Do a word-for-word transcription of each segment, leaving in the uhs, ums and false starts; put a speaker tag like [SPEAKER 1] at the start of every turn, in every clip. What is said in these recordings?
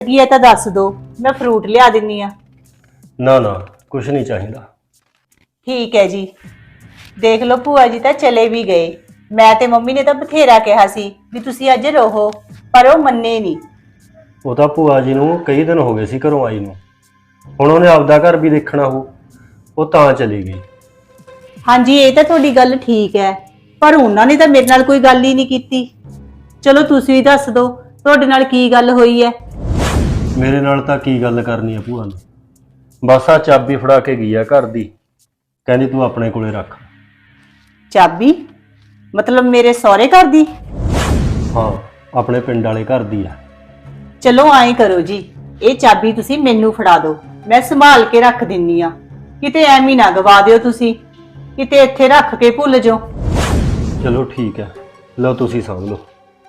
[SPEAKER 1] ਕੀ ਹੈ ਤਾਂ ਦੱਸ ਦੋ, ਮੈਂ ਫਰੂਟ ਲਿਆ ਦਿੰਨੀ ਆ।
[SPEAKER 2] ਨਾ ਨਾ ਕੁਛ ਨਹੀਂ ਚਾਹੀਦਾ।
[SPEAKER 1] ਠੀਕ ਹੈ ਜੀ। ਦੇਖ ਲਓ ਭੂਆ ਜੀ ਤਾਂ ਚਲੇ ਵੀ ਗਏ। ਮੈਂ ਤੇ ਮੰਮੀ ਨੇ ਤਾਂ ਬਥੇਰਾ ਕਿਹਾ ਸੀ ਵੀ ਤੁਸੀਂ ਅੱਜ ਰਹੋ, ਪਰ ਉਹ ਮੰਨੇ ਨਹੀਂ।
[SPEAKER 2] ਉਹ ਤਾਂ ਭੂਆ ਜੀ ਨੂੰ ਕਈ ਦਿਨ ਹੋ ਗਏ ਸੀ ਘਰੋਂ ਆਈ ਨੂੰ। ਹੁਣ ਉਹਨੇ ਆਪਦਾ ਘਰ ਵੀ ਦੇਖਣਾ ਹੋ, ਉਹ ਤਾਂ ਚਲੀ ਗਈ।
[SPEAKER 1] ਹਾਂਜੀ ਇਹ ਤਾਂ ਤੁਹਾਡੀ ਗੱਲ ਠੀਕ ਹੈ, ਪਰ ਉਹਨਾਂ ਨੇ ਤਾਂ ਮੇਰੇ ਨਾਲ ਕੋਈ ਗੱਲ ਹੀ ਨਹੀਂ ਕੀਤੀ। ਚਲੋ ਤੁਸੀਂ ਵੀ ਦੱਸ ਦਿਓ, ਤੁਹਾਡੇ ਨਾਲ ਕੀ ਗੱਲ ਹੋਈ ਹੈ।
[SPEAKER 2] ਮੇਰੇ ਨਾਲ ਤਾਂ ਕੀ ਗੱਲ ਕਰਨੀ ਆ ਭੂਆ ਨੇ, ਬਸ ਆ ਚਾਬੀ ਫੜਾ ਕੇ ਗਈ ਆ ਘਰ ਦੀ, ਕਹਿੰਦੀ ਤੂੰ ਆਪਣੇ ਕੋਲੇ ਰੱਖ।
[SPEAKER 1] ਚਾਬੀ? ਮਤਲਬ ਮੇਰੇ ਸਹੁਰੇ ਘਰ ਦੀ?
[SPEAKER 2] ਹਾਂ, ਆਪਣੇ ਪਿੰਡ ਵਾਲੇ ਘਰ ਦੀ ਆ।
[SPEAKER 1] ਚਲੋ ਐਂ ਕਰੋ ਜੀ, ਇਹ ਚਾਬੀ ਤੁਸੀਂ ਮੈਨੂੰ ਫੜਾ ਦਿਓ, ਮੈਂ ਸੰਭਾਲ ਕੇ ਰੱਖ ਦਿੰਨੀ ਆ। ਕਿਤੇ ਐਵੇਂ ਨਾ ਗਵਾ ਦਿਓ ਤੁਸੀਂ, ਕਿਤੇ ਇੱਥੇ ਰੱਖ ਕੇ ਭੁੱਲ ਜਾਓ।
[SPEAKER 2] ਚਲੋ ਠੀਕ ਹੈ, ਲਓ ਤੁਸੀਂ ਸਮਝ ਲਓ।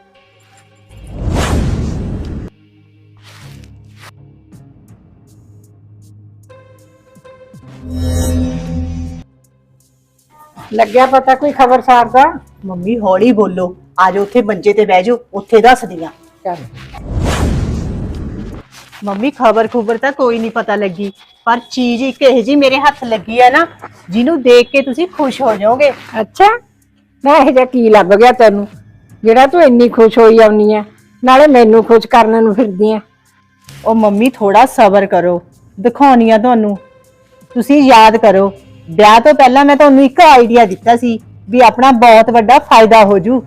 [SPEAKER 3] ਲੱਗਿਆ ਪਤਾ ਕੋਈ ਖਬਰਸਾਰ ਦਾ?
[SPEAKER 1] ਮੰਮੀ ਹੌਲੀ ਬੋਲੋ, ਆ ਜਾਓ ਉੱਥੇ ਮੰਜੇ ਤੇ ਬਹਿ ਜਾਓ, ਉੱਥੇ ਦੱਸਦੀ ਆ।
[SPEAKER 3] ਚੱਲ
[SPEAKER 1] ਮੰਮੀ ਖਬਰ ਖੁਬਰ ਤਾਂ ਕੋਈ ਨਹੀਂ ਪਤਾ ਲੱਗੀ, ਪਰ ਚੀਜ਼ ਇੱਕ ਇਹੋ ਜੀ ਮੇਰੇ ਹੱਥ ਲੱਗੀ ਆ ਨਾ, ਜਿਹਨੂੰ ਦੇਖ ਕੇ ਤੁਸੀਂ ਖੁਸ਼ ਹੋ ਜਾਓਗੇ।
[SPEAKER 3] ਅੱਛਾ, ਮੈਂ ਇਹ ਜਿਹਾ ਕੀ ਲੱਭ ਗਿਆ ਤੈਨੂੰ ਜਿਹੜਾ ਤੂੰ ਇੰਨੀ ਖੁਸ਼ ਹੋਈ ਆਉਣੀ ਆ, ਨਾਲੇ ਮੈਨੂੰ ਖੁਸ਼ ਕਰਨ ਨੂੰ ਫਿਰਦੀ ਆ।
[SPEAKER 1] ਉਹ ਮੰਮੀ ਥੋੜਾ ਸਬਰ ਕਰੋ, ਦਿਖਾਉਣੀ ਆ ਤੁਹਾਨੂੰ। ਤੁਸੀਂ ਯਾਦ ਕਰੋ, ਵਿਆਹ ਤੋਂ ਪਹਿਲਾਂ ਮੈਂ ਤੁਹਾਨੂੰ ਇੱਕ ਆਈਡੀਆ ਦਿੱਤਾ ਸੀ ਵੀ ਆਪਣਾ ਬਹੁਤ ਵੱਡਾ ਫਾਇਦਾ ਹੋ ਜੂ।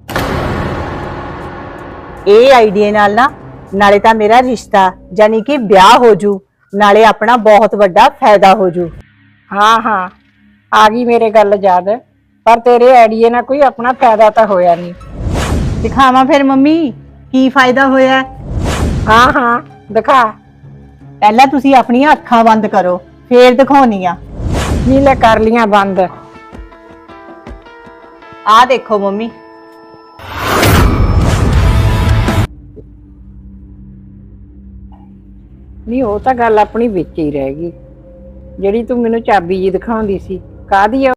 [SPEAKER 1] ਇਹ ਆਈਡੀਆ ਨਾਲ ਨਾ ਨਾਲੇ ਤਾਂ ਮੇਰਾ ਰਿਸ਼ਤਾ ਯਾਨੀ ਕਿ ਵਿਆਹ ਹੋ ਜੂ, ਨਾਲੇ ਆਪਣਾ ਬਹੁਤ ਵੱਡਾ ਫਾਇਦਾ ਹੋ ਜੂ।
[SPEAKER 3] ਹਾਂ ਹਾਂ, ਆ ਗਈ ਮੇਰੇ ਗੱਲ ਯਾਦ, ਪਰ ਤੇਰੇ ਆਈਡੀਏ ਨਾਲ ਕੋਈ ਆਪਣਾ ਫਾਇਦਾ ਤਾਂ ਹੋਇਆ ਨਹੀਂ।
[SPEAKER 1] ਦਿਖਾਵਾਂ ਫਿਰ ਮੰਮੀ ਕੀ ਫਾਇਦਾ ਹੋਇਆ?
[SPEAKER 3] ਹਾਂ ਹਾਂ ਦਿਖਾ।
[SPEAKER 1] ਪਹਿਲਾਂ ਤੁਸੀਂ ਆਪਣੀਆਂ ਅੱਖਾਂ ਬੰਦ ਕਰੋ, ਫੇਰ ਦਿਖਾਉਣੀ ਆ।
[SPEAKER 3] ਨੀ ਲੈ ਕਰ ਲੀਆਂ ਬੰਦ।
[SPEAKER 1] ਆਹ ਦੇਖੋ ਮੰਮੀ।
[SPEAKER 3] ਨਹੀਂ ਉਹ ਤਾਂ ਗੱਲ ਆਪਣੀ ਵਿੱਚ ਹੀ ਰਹਿ ਗਈ, ਜਿਹੜੀ ਤੂੰ ਮੈਨੂੰ ਚਾਬੀ ਜੀ ਦਿਖਾਉਂਦੀ ਸੀ, ਕਾਹਦੀ ਆ?